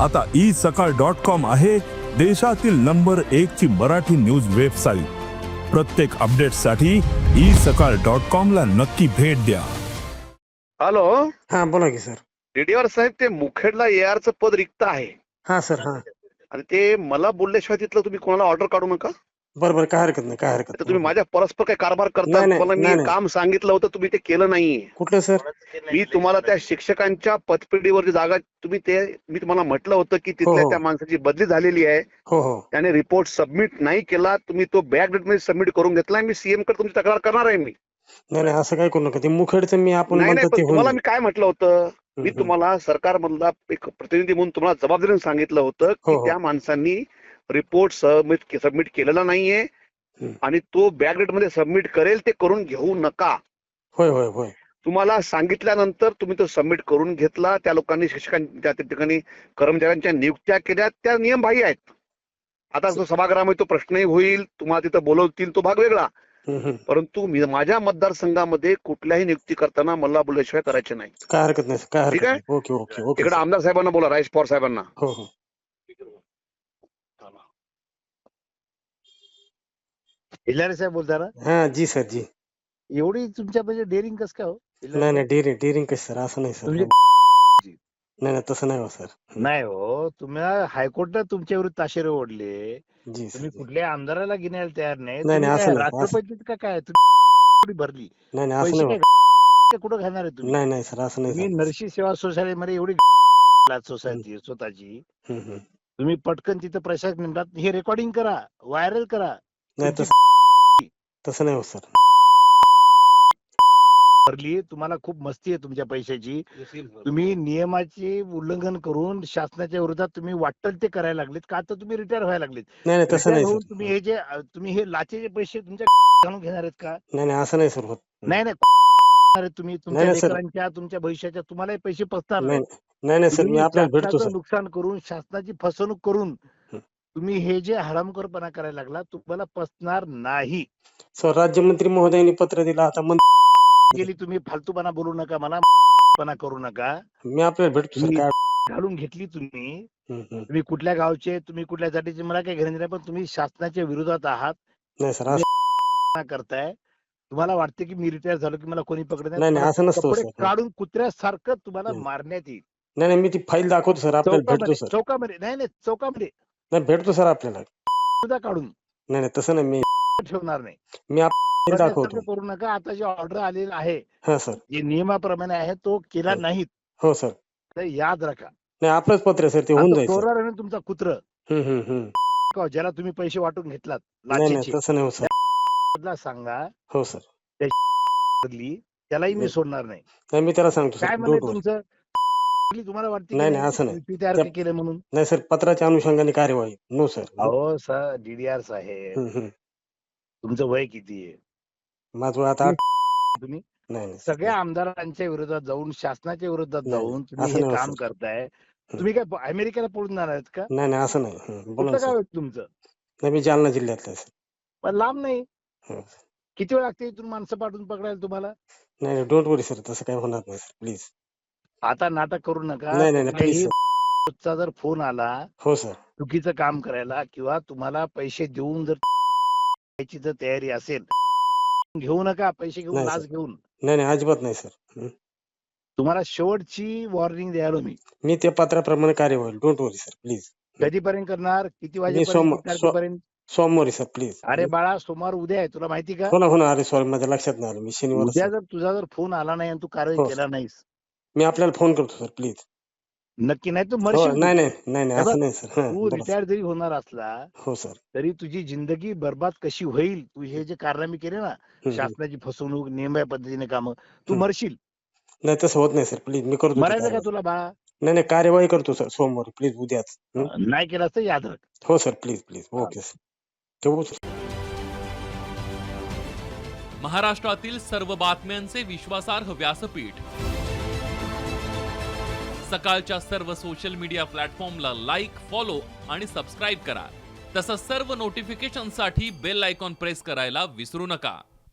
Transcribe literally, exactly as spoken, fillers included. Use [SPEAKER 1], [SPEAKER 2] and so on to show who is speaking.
[SPEAKER 1] आता ई सकाळ dot com आहे देशातील नंबर एक ची मराठी न्यूज वेबसाईट। प्रत्येक अपडेटसाठी ई सकाळ डॉट कॉम ला नक्की भेट द्या।
[SPEAKER 2] हॅलो,
[SPEAKER 3] हा बोला की सर।
[SPEAKER 2] डीडीआर साहेब, ते मुखेडला एआरचं पद रिक्त आहे
[SPEAKER 3] हा सर, हा
[SPEAKER 2] आणि ते मला बोलल्याशिवाय तिथलं तुम्ही कोणाला ऑर्डर काढू नका।
[SPEAKER 3] बरोबर, काय हरकत नाही, काय हरकत
[SPEAKER 2] तर तुम्ही
[SPEAKER 3] नाही।
[SPEAKER 2] माझ्या परस्पर काय कारभार करता?
[SPEAKER 3] नाही, नाही,
[SPEAKER 2] तुम्हाला मी
[SPEAKER 3] नाही,
[SPEAKER 2] एक
[SPEAKER 3] नाही.
[SPEAKER 2] काम सांगितलं होतं, तुम्ही ते केलं नाहीये।
[SPEAKER 3] कुठलं सर?
[SPEAKER 2] मी तुम्हाला त्या शिक्षकांच्या पदपेढीवरची जागा, तुम्ही ते मी तुम्हाला म्हटलं होतं की तिथल्या
[SPEAKER 3] हो.
[SPEAKER 2] त्या माणसाची बदली झालेली आहे,
[SPEAKER 3] हो हो
[SPEAKER 2] त्याने रिपोर्ट सबमिट नाही केला, तुम्ही तो बॅक डेट मध्ये सबमिट करून घेतलाय। मी सीएम कडे तुमची तक्रार करणार आहे मी।
[SPEAKER 3] नाही नाही, असं काय करू नका। ते मुखेडचं मी आपण
[SPEAKER 2] नाही नाही,
[SPEAKER 3] म्हणतो
[SPEAKER 2] पण
[SPEAKER 3] ते होऊन
[SPEAKER 2] तुम्हाला
[SPEAKER 3] जाईल.
[SPEAKER 2] मी काय म्हटलं होतं, मी
[SPEAKER 3] हम्म,
[SPEAKER 2] तुम्हाला सरकारमधला एक प्रतिनिधी म्हणून तुम्हाला जबाबदारीने सांगितलं होतं की
[SPEAKER 3] हो, हो.
[SPEAKER 2] त्या माणसांनी रिपोर्ट सबमिट सबमिट केलेला नाहीये
[SPEAKER 3] हम्म.
[SPEAKER 2] आणि तो बॅक डेट मध्ये सबमिट करेल, ते करून घेऊ नका।
[SPEAKER 3] होय होय होय
[SPEAKER 2] तुम्हाला सांगितल्यानंतर तुम्ही तो सबमिट करून घेतला। त्या लोकांनी शिक्षकांच्या त्या ठिकाणी कर्मचाऱ्यांच्या नियुक्त्या केल्या, त्या नियमबाह्य आहेत। आता जो सभागृहामध्ये तो प्रश्नही होईल, तुम्हाला तिथं बोलवतील, तो भाग वेगळा।
[SPEAKER 3] हम्म, हम्म.
[SPEAKER 2] परंतु मी माझ्या मतदारसंघामध्ये कुठल्याही नियुक्ती करताना मला बोलल्याशिवाय करायचे नाही।
[SPEAKER 3] काय हरकत नाही, काय
[SPEAKER 2] ठीक
[SPEAKER 3] हरकत
[SPEAKER 2] आहे?
[SPEAKER 3] नाही। ओके ओके ओके
[SPEAKER 2] इकडे
[SPEAKER 3] सर.
[SPEAKER 2] आमदार साहेबांना बोला, राजेश पवार साहेबांना।
[SPEAKER 3] हो हो
[SPEAKER 4] हिलारे साहेब बोलता ना?
[SPEAKER 3] हा जी सर, जी।
[SPEAKER 4] एवढी तुमच्या म्हणजे डेअरिंग कसं काय हो? हिलारे
[SPEAKER 3] नाही
[SPEAKER 4] साहेब?
[SPEAKER 3] नाही, डेअरिंग डेअरिंग कसं सर? असं नाही सर।
[SPEAKER 4] तुमची
[SPEAKER 3] नाही नाही, तसं नाही हो सर। हम्म.
[SPEAKER 4] नाही हो, तुम्ही हायकोर्टात तुमच्या विरुद्ध ताशेरे ओढले,
[SPEAKER 3] जी सर,
[SPEAKER 4] तुम्ही
[SPEAKER 3] जी.
[SPEAKER 4] कुठल्याही आमदाराला घेण्याला तयार नाही।
[SPEAKER 3] नाही
[SPEAKER 4] तुम्ही
[SPEAKER 3] नाही,
[SPEAKER 4] काय
[SPEAKER 3] असं नाही असं-
[SPEAKER 4] राष्ट्रपतीत का काय तुम्ही भरली
[SPEAKER 3] नाही नाही, असं
[SPEAKER 4] पैसे
[SPEAKER 3] नाही
[SPEAKER 4] काय कुठं घालणार आहे तुम्ही?
[SPEAKER 3] नाही नाही सर, असं नाही
[SPEAKER 4] तुम्ही
[SPEAKER 3] सर।
[SPEAKER 4] नरसी सेवा सोसायटीमध्ये एवढी सोसायटी स्वतःची,
[SPEAKER 3] हम्म, हम्म.
[SPEAKER 4] तुम्ही पटकन तिथं प्रशासक नेमतात, हे रेकॉर्डिंग करा, व्हायरल करा।
[SPEAKER 3] नाही
[SPEAKER 4] तुमची
[SPEAKER 3] तसं तसं नाही हो सर।
[SPEAKER 4] भरली, तुम्हाला खूप मस्ती आहे तुमच्या पैशाची। तुम्ही नियमाचे उल्लंघन करून शासनाच्या विरोधात तुम्ही वाटल ते करायला लागलेत का? तर तुम्ही रिटायर व्हायला लागलेत।
[SPEAKER 3] नाही नाही, तसं
[SPEAKER 4] रिटायर
[SPEAKER 3] नाही
[SPEAKER 4] होऊन
[SPEAKER 3] सर।
[SPEAKER 4] तुम्ही हे जे तुम्ही हे लाचेचे पैसे तुमच्या घालून घेणार आहेत का?
[SPEAKER 3] नाही नाही, असं नाही सर होत। हम्म.
[SPEAKER 4] नाही नाही घेणार आहेत तुम्ही तुमच्या
[SPEAKER 3] नाही, सर.
[SPEAKER 4] लेकरांच्या, तुमच्या भविष्याच्या, तुम्हालाही पैसे पसणार
[SPEAKER 3] नाही
[SPEAKER 4] नाही।
[SPEAKER 3] नाही नाही सर, मी
[SPEAKER 4] तुम्ही
[SPEAKER 3] आपल्याला भेटतो
[SPEAKER 4] शासनाचं
[SPEAKER 3] सर।
[SPEAKER 4] नुकसान करून, शासनाची फसवणूक करून
[SPEAKER 3] हं.
[SPEAKER 4] तुम्ही हे जे हरामखोरपणा करायला लागला, तुम्हाला पसणार नाही।
[SPEAKER 3] सर, राज्यमंत्री महोदयांनी पत्र दिलं, आता मंत्री
[SPEAKER 4] गेली तुम्ही फालतूपणा बोलू नका, मला पणा करू नका।
[SPEAKER 3] मी आपल्याला भेटतो सर।
[SPEAKER 4] तुम्ही
[SPEAKER 3] काय
[SPEAKER 4] घालून घेतली तुम्ही,
[SPEAKER 3] हम्म, हम्म.
[SPEAKER 4] तुम्ही कुठल्या गावचे, तुम्ही कुठल्या जातीचे, मला काही घेणं नाही, पण तुम्ही शासनाच्या विरोधात आहात,
[SPEAKER 3] नाही सर,
[SPEAKER 4] तुम्ही
[SPEAKER 3] असं
[SPEAKER 4] करताय। तुम्हाला वाटते की मी रिटायर झालो की मला कोणी पकडत
[SPEAKER 3] नाही नाही,
[SPEAKER 4] तुम्हाला
[SPEAKER 3] असं नसतं
[SPEAKER 4] कपडे
[SPEAKER 3] सर।
[SPEAKER 4] काढून कुत्र्यासारखं तुम्हाला
[SPEAKER 3] नाही
[SPEAKER 4] मारण्यात येईल।
[SPEAKER 3] नाही नाही, मी ती फाईल दाखवतो सर, आपल्याला भेटतो
[SPEAKER 4] चौकामध्ये,
[SPEAKER 3] सर।
[SPEAKER 4] चौकामध्ये नाही नाही, चौकामध्ये
[SPEAKER 3] नाही, भेटतो सर आपल्याला।
[SPEAKER 4] सुद्धा काढून
[SPEAKER 3] नाही नाही, तसं नाही, मी
[SPEAKER 4] ठेवणार नाही।
[SPEAKER 3] मी आपल्याला दाखवतो।
[SPEAKER 4] प्रजासत्ताक करू नका। आता जे ऑर्डर आलेला आहे,
[SPEAKER 3] हा सर।
[SPEAKER 4] जे नियमाप्रमाणे आहे, तो केला
[SPEAKER 3] हो.
[SPEAKER 4] नाहीत
[SPEAKER 3] हो सर।
[SPEAKER 4] तर याद राखा।
[SPEAKER 3] नाही, आपलंच पत्र आहे सर, ते होऊन
[SPEAKER 4] आता
[SPEAKER 3] जाईल सर।
[SPEAKER 4] चोरार आहे ना तुमचा कुत्र,
[SPEAKER 3] हम्म हम्म हम्म.
[SPEAKER 4] ज्याला तुम्ही पैसे वाटून घेतलात
[SPEAKER 3] नाही नाही,
[SPEAKER 4] लाचेचे,
[SPEAKER 3] तसं नाही हो सर।
[SPEAKER 4] त्याला सांगा,
[SPEAKER 3] हो सर।
[SPEAKER 4] बदली, त्यालाही मी
[SPEAKER 3] नाही
[SPEAKER 4] सोडणार नाही।
[SPEAKER 3] नाही, मी त्याला सांगतो
[SPEAKER 4] काय
[SPEAKER 3] सर,
[SPEAKER 4] म्हणे
[SPEAKER 3] डोंट वरी।
[SPEAKER 4] तुमचं? तुम्हाला वाटते की
[SPEAKER 3] नाही नाही, असं नाही।
[SPEAKER 4] मी तयार
[SPEAKER 3] त्या-
[SPEAKER 4] केले म्हणून?
[SPEAKER 3] नाही सर, पत्राच्या अनुषंगाने कार्यवाही। No sir.
[SPEAKER 4] अहो सर, डीडीआर साहेब,
[SPEAKER 3] हम्म हम्म.
[SPEAKER 4] तुमचं वय किती आहे?
[SPEAKER 3] माझं आता आठ-
[SPEAKER 4] तुम्ही
[SPEAKER 3] नाही नाही सर,
[SPEAKER 4] सगळ्या आमदारांच्या विरोधात जाऊन, शासनाच्या विरोधात
[SPEAKER 3] नाही,
[SPEAKER 4] जाऊन तुम्ही
[SPEAKER 3] असं
[SPEAKER 4] हे
[SPEAKER 3] नाही हो
[SPEAKER 4] काम
[SPEAKER 3] सर.
[SPEAKER 4] करताय। तुम्ही काय अमेरिकेला पळून जाणार आहेत का?
[SPEAKER 3] नाही नाही, असं नाही। हं, बोला
[SPEAKER 4] कुठलं
[SPEAKER 3] ना
[SPEAKER 4] काय
[SPEAKER 3] सर.
[SPEAKER 4] होतं तुमचं?
[SPEAKER 3] नाही, मी जालना जिल्ह्यातला आहे सर.
[SPEAKER 4] पण लांब नाही।
[SPEAKER 3] हं.
[SPEAKER 4] किती वेळ लागते इथून माणसं पाठवून पकडायला तुम्हाला?
[SPEAKER 3] नाही नाही, डोंट वरी सर, तसं काही होणार नाही सर, प्लीज।
[SPEAKER 4] आता नाटक करू नका।
[SPEAKER 3] नाही नाही प्लीज
[SPEAKER 4] कुठल्याही
[SPEAKER 3] सर.
[SPEAKER 4] चा जर फोन आला
[SPEAKER 3] हो सर.
[SPEAKER 4] चुकीचं काम करायला किंवा तुम्हाला पैसे देऊन जर याची जर तयारी असेल, घेऊ नका पैसे घेऊन,
[SPEAKER 3] नाही
[SPEAKER 4] लाच
[SPEAKER 3] सर.
[SPEAKER 4] घेऊन।
[SPEAKER 3] नाही नाही, अजिबात नाही सर. हं.
[SPEAKER 4] तुम्हाला शेवटची वॉर्निंग द्यायलो मी।
[SPEAKER 3] मी त्या पत्राप्रमाणे कार्यवाही, डोंट वरी सर, प्लीज.
[SPEAKER 4] कधीपर्यंत करणार? किती
[SPEAKER 3] मी
[SPEAKER 4] वाजेपर्यंत?
[SPEAKER 3] सोम
[SPEAKER 4] किती
[SPEAKER 3] सो-
[SPEAKER 4] तारखेपर्यंत?
[SPEAKER 3] सोमवारी सर, प्लीज.
[SPEAKER 4] अरे बाळा, सोमवार उद्या आहे, तुला माहिती का?
[SPEAKER 3] हो ना हो ना, अरे सॉरी, माझ्या लक्षात नाही आलं, मी शनिवार
[SPEAKER 4] उद्या
[SPEAKER 3] सर.
[SPEAKER 4] जर तुझा जर फोन आला नाही आणि तू कारवाई
[SPEAKER 3] हो
[SPEAKER 4] केला नाहीस,
[SPEAKER 3] मी आपल्याला फोन करतो सर, प्लीज.
[SPEAKER 4] नक्की नाही तू
[SPEAKER 3] हो
[SPEAKER 4] मरशील।
[SPEAKER 3] नाही
[SPEAKER 4] तू.
[SPEAKER 3] नाही नाही नाही,
[SPEAKER 4] हे बघ,
[SPEAKER 3] असं नाही सर. हं,
[SPEAKER 4] तू
[SPEAKER 3] बोला सर.
[SPEAKER 4] रिटायर जरी होणार असला
[SPEAKER 3] हो सर.
[SPEAKER 4] तरी तुझी जिंदगी बर्बाद कशी होईल, तू हे जे कारनामे केले ना,
[SPEAKER 3] हं, हं.
[SPEAKER 4] शासनाची फसवणूक, नियमबाह्य पद्धतीने कामं, तू
[SPEAKER 3] हं.
[SPEAKER 4] मरशील।
[SPEAKER 3] नाही, तसं होत नाही सर, प्लीज, मी करतो ती
[SPEAKER 4] मरायचं का
[SPEAKER 3] कार्यवाही.
[SPEAKER 4] तुला बाळा?
[SPEAKER 3] नाही नाही, कार्यवाही करतो सर सोमवारी, प्लीज, उद्याच. हं?
[SPEAKER 4] नाही केलास तर याद राख।
[SPEAKER 3] हो sir, please please. Okay sir, ठेवू सर.
[SPEAKER 5] महाराष्ट्रातील सर्व बातम्यांचे विश्वासार्ह व्यासपीठ, सकाळच्या सर्व सोशल मीडिया प्लॅटफॉर्मला लाईक, फॉलो आणि सबस्क्राईब करा। तसंच सर्व नोटिफिकेशनसाठी बेल आयकॉन प्रेस करायला विसरू नका।